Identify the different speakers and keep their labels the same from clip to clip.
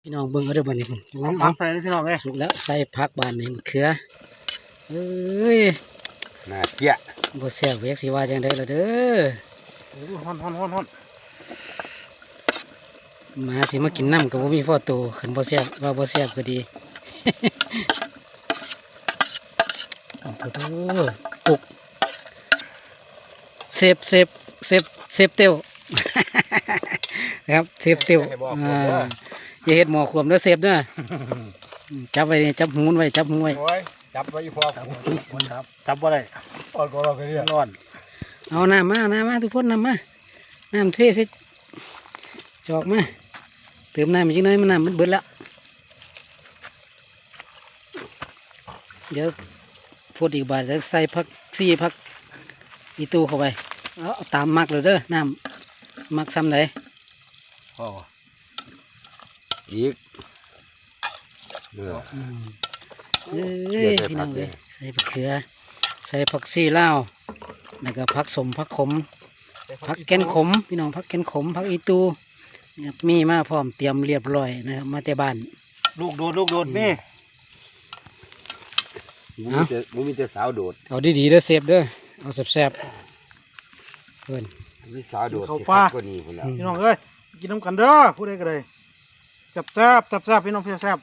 Speaker 1: พี่น้องเบิ่งเอาเด้อบัดนี้พุ่นน้อง
Speaker 2: ผักใส่เลยพี่น้องเลย
Speaker 1: สุกแล้วใส่ผักบานนี่มะเขือเอ้ย
Speaker 3: น่าเกลียด
Speaker 1: บ่แซ่บเวกสิว่าจังได๋ล่ะเด้อ
Speaker 2: โอ้โหฮ้อน
Speaker 1: หมาสิมากินน้ำก็บ่มีพ่อโตคันบ่แซ่บว่าบ่แซ่บก็ดี โอ้โหปุกเซฟเตียว ครับเซฟเตียวอย่าเฮ็ดหมอขวมเด้อเซฟเด้อจับไว้นี่จับหูไว้จับหูไว้
Speaker 3: โอ้ยจับไว้พอครับ
Speaker 2: จับว่าไร
Speaker 3: อ่อนก็เราก็เรียก
Speaker 2: ร้อน
Speaker 1: เอาน้ำมาทุกคนน้ำมาน้ำเทใส่จอกมาเติมน้ำอีกนิดหน่อยมันน้ำมันเบิดแล้วเดี๋ยวพูดอีกบาทจะใส่ผักซี่ผักอีตู้เข้าไปเอาตามมักเลยเด้อน้ำมักซ้ำไหน
Speaker 3: พออีกเนื้อ
Speaker 1: เอ้ยพี่น้องเลยใส่ผักเขือใส่ผักซี่ลาวแล้วก็ผักสมผักขมผักแกนขมพี่น้องผักแกนขมผักอีตูนะครับมีมาพร้อมเตรียมเรียบร้อยนะครับมาแต่บ้าน
Speaker 2: ลูกโดดนี่
Speaker 3: มันมีแต่สาวโดด
Speaker 1: เอาดีๆเด้อเซฟเด้อเอาแซ่บๆเพื่อน
Speaker 3: มีสาวโดดที่คักกว่านี้พุ่นแล้ว
Speaker 2: พี่น้องเอ้ยกินน้ำกันเด้อพูดได้ก็เลยแซ่บพี่น้องพี่แซ่บ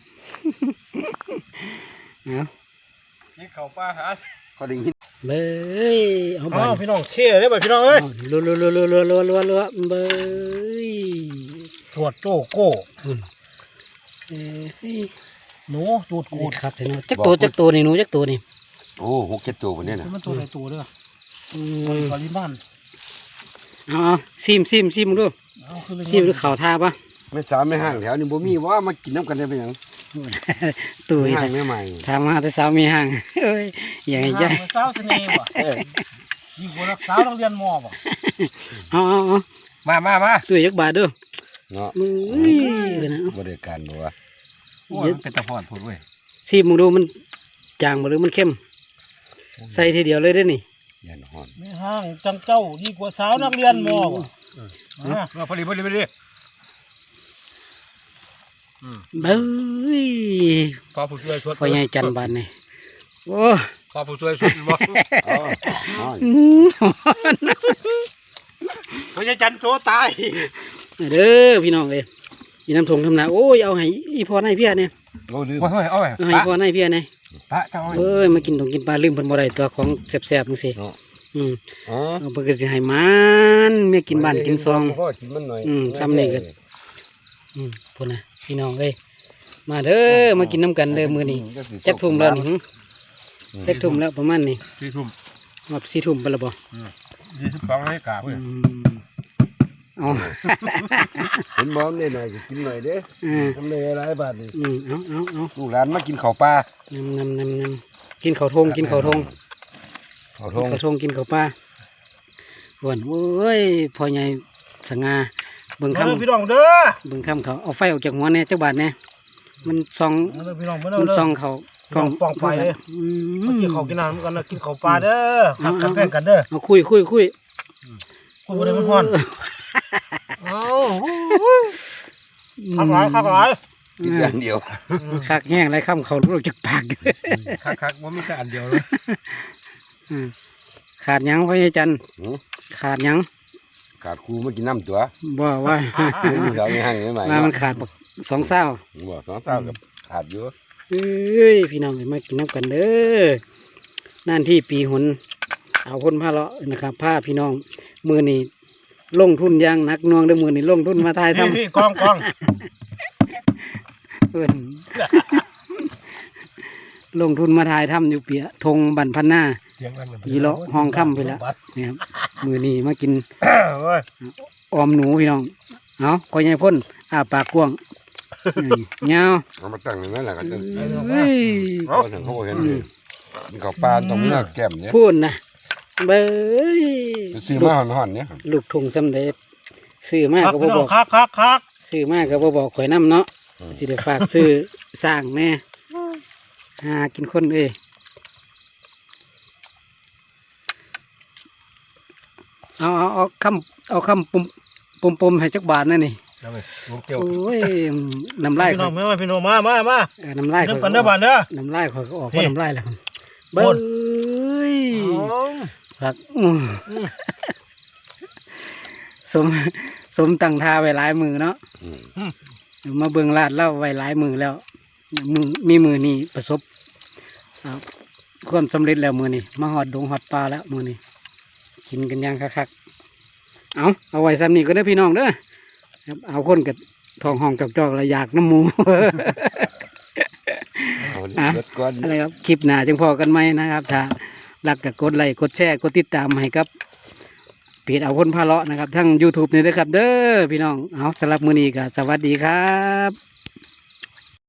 Speaker 1: เอา
Speaker 3: นี่เขาป้าหาเขาได้ยิน
Speaker 1: เลยเอา
Speaker 2: ๆ
Speaker 1: บ้า
Speaker 2: พี่น้องเท่เลยพี่น้องเอ้ย
Speaker 1: รัวเบย
Speaker 2: ตรวจโจโก้
Speaker 1: เอ้ย
Speaker 2: หนูตูด
Speaker 1: กู
Speaker 2: กูด
Speaker 1: ครับพี่น้องจักตัวนี่หนูจักตัวนี่
Speaker 3: โอ้6-7ตัวพุ่นเนี่ยน่ะ
Speaker 2: มันตัวใดตัวเด้อ
Speaker 1: อื
Speaker 2: ตัว
Speaker 1: ม
Speaker 2: กอลิบ้าน
Speaker 1: เอาซิมมึงดู
Speaker 2: เอาคือ
Speaker 1: ซิมดูข่าวท่าปะ
Speaker 3: ไม่สาวไม่ห่างแถวนี้บ่มีว่ามากินน้ำกันได้เป็นหยัง
Speaker 1: ตุ้ย
Speaker 3: ห่างไม่ใหม่
Speaker 1: ถามมาแต่สาวมีห่างเอ้ยอย่างใจ
Speaker 2: สาวเสน่ห์ว่ะยิ่งกว่าสาวโรงเรียนมอว่ะ
Speaker 1: เอา
Speaker 3: มา
Speaker 1: ตุ้ยยักบาทดู
Speaker 3: เนาะ
Speaker 1: มึงนะ
Speaker 3: บ่ได้การบ่ว่า
Speaker 2: โอ้ยมันเป็นตะพอนพูดเว้ย
Speaker 1: ซิมมึงดูมันจางบ่หรือมันเข้มใส่ทีเดียวเลยได้อนี่
Speaker 3: ยันฮ้อน
Speaker 2: ไม่ห้างจังเจ้ายิ่งกว่าสาวนักเรียนมอว่ะพอดี
Speaker 1: เบ้ย
Speaker 2: พอผู้ช่วยชด
Speaker 1: พ่อใหญ่จันบานนี่โอ้
Speaker 2: พอผู้ช่วยชดบ่
Speaker 3: อ๋อฮ้อน
Speaker 2: พญาจันโตตาย
Speaker 1: เด้อพี่น้องเลยอีน้ำทงทำนาโอ้ยเอาให้อีพ่อให้เพี้ยเนี่ย
Speaker 3: โอ้ลืม
Speaker 2: โอ้ยเอาไว้
Speaker 1: เอาให้พ่อให้เพี้ยเนี่ย
Speaker 2: ปะเจ้า
Speaker 1: เอ้ยมากินตรงกินปลาลืมเพิ่นบ่ได้ตัวของแซ่บๆจังซี่
Speaker 3: เนาะ
Speaker 1: อืม
Speaker 3: อ๋อ
Speaker 1: เอาเพิ่นก็สิให้มันเมียกินบ้านกินซอง
Speaker 3: พ่อกินมันหน่อย
Speaker 1: ทำนี่ก็พุ่นน่ะพี่น้องเอ้ยมาเด้อมากินน้ำกันเด้อมื้อนี้จักทุ่มแล้วนี่จักทุ่มแล้วประมาณนี้
Speaker 2: 4 ทุ่ม
Speaker 1: มา4 ทุ่มไปแล้วบ่
Speaker 2: 22นาฬิกาเพิ่น
Speaker 1: เอา
Speaker 3: เห็นบ่ได้หน่อยก็กินหน่อยเด้ ทำเลยหลายบาทนี่
Speaker 1: เอา
Speaker 3: ลูกหลานมากินข้าวปลาน
Speaker 1: ำกินข้าวทงกินข้าวทง
Speaker 3: ข้าวท
Speaker 1: กิน
Speaker 3: ง
Speaker 1: ข้าวทงกินข้าวปลาหวนเว้ยพ่อใหญ่สง่าเบิ่ง
Speaker 2: เด้อ
Speaker 1: คำ
Speaker 2: พี่น้องเด้อ
Speaker 1: เบิ่งคำเขาเอาไฟออกจากหัวเนี่ยจักบาทเนี่ยมันส่อง
Speaker 2: เด้อพี่น้องเด้อ
Speaker 1: มันส่องเขากล้อง
Speaker 2: ป้องไฟเลย
Speaker 1: อืม
Speaker 2: กินข้าวกินน้ำกันนะกินข้าวปลาเด้อหักกันแพ่งกันเด้อ
Speaker 1: เอาคุย
Speaker 2: คุยบ่ได้มันฮ้อนเอาคักหลาย
Speaker 3: กินอย่างเดียว
Speaker 1: คักแห้งไรคำเขารู้จากปาก
Speaker 2: คักว่ามีแต่อันเดียวเลย
Speaker 1: อืมขาดหยังพ่อใหญ่จันทร์
Speaker 3: หือ
Speaker 1: ขาดหยัง
Speaker 3: ขาดครูมากินน้ำตัว
Speaker 1: บ่ว่า
Speaker 3: ลูกสาวไม่ห่างไม่ใหม่
Speaker 1: มามันขาดบักสองเศร้า
Speaker 3: บ่สองสาวกับขาดอยู่
Speaker 1: เอ้ยพี่น้องมากินน้ำกันเด้อนั่นที่ปีหนเอาคนพาเลาะนะครับพาพี่น้องมือนี่ลงทุนอยางหนักหน่วงเด้อมือนี่ลงทุนมาทายทำ
Speaker 2: พี่กอง
Speaker 1: เพิ่น ลงทุนมาทายทำอยู่เปียทงบันพันหน้า
Speaker 2: เสียงกัน
Speaker 1: อีเลาะห้องค่ำไปแล้วนี่ครับมือนี่มากิน
Speaker 2: เว้ย
Speaker 1: ออมหนูพี่น้องเอาคอยใหญ่พ่นอ้าปากกว้างเงา
Speaker 3: เอามาตั้งอย่างนั้นแหละก็จะ
Speaker 1: เฮ้ย
Speaker 3: เขาถึงเขาบ่เห็นเลยกินข้าวปลาต้องเนื้อแก้มเนี่ย
Speaker 1: พูดนะเบ้ย
Speaker 3: ไปซื้อมาห่อนๆเนี่ย
Speaker 1: ลูกทงสำเร็จซื้อมากก็บ่บอก
Speaker 2: คัก
Speaker 1: ซื้อมากก็บ่บอกข่อยน้ำเนาะสิได้ฝากซื้อสร้างแน่หากินคนเอ้ยเอาคำปุ่มให้จักบาทนั่นนี่
Speaker 3: แล้วไปลูกเกี่ยว
Speaker 1: โอ้ยน้ำลาย
Speaker 2: พี่
Speaker 1: ข่
Speaker 2: น้
Speaker 1: อ
Speaker 2: อย งพี่น้องมา
Speaker 1: น้ำลาย
Speaker 2: เริ่
Speaker 1: ข่
Speaker 2: ม
Speaker 1: อย
Speaker 2: กันเด้อบ้านเด้อ
Speaker 1: น้ำลายข่อยก็ออก
Speaker 2: นี่
Speaker 1: เพราะน้ำลายแล้วครับ
Speaker 2: โอ้
Speaker 1: เบิ้
Speaker 2: ย
Speaker 1: ยผักสมสมตั้งท่าไว้หลายมือเนาะ มาเบิ่งลาดเล่าไว้หลายมือแล้วมีมือนี่ประสบความสำเร็จแล้วมือนี่มาหอดดงหอดปลาแล้วมือนี่กินกันอย่างคักๆเอาไว้ซ้ำนี่ก็ได้อพี่น้องเด้อครับเอาคนกับทองห้องจอกๆแล้วอยากน้ำหมู
Speaker 3: เอาเบิดก่อน
Speaker 1: อะไรครับคลิปหน้าจึงพอกันไหมนะครับถ้ารักก็กดไลค์กดแชร์กดติดตามให้ครับเพจเอาคนพาเลาะนะครับทั้ง YouTube นี่ด้วยครับ เด้อพี่น้องเอาสำหรับมือนี้ก็สวัสดีครับ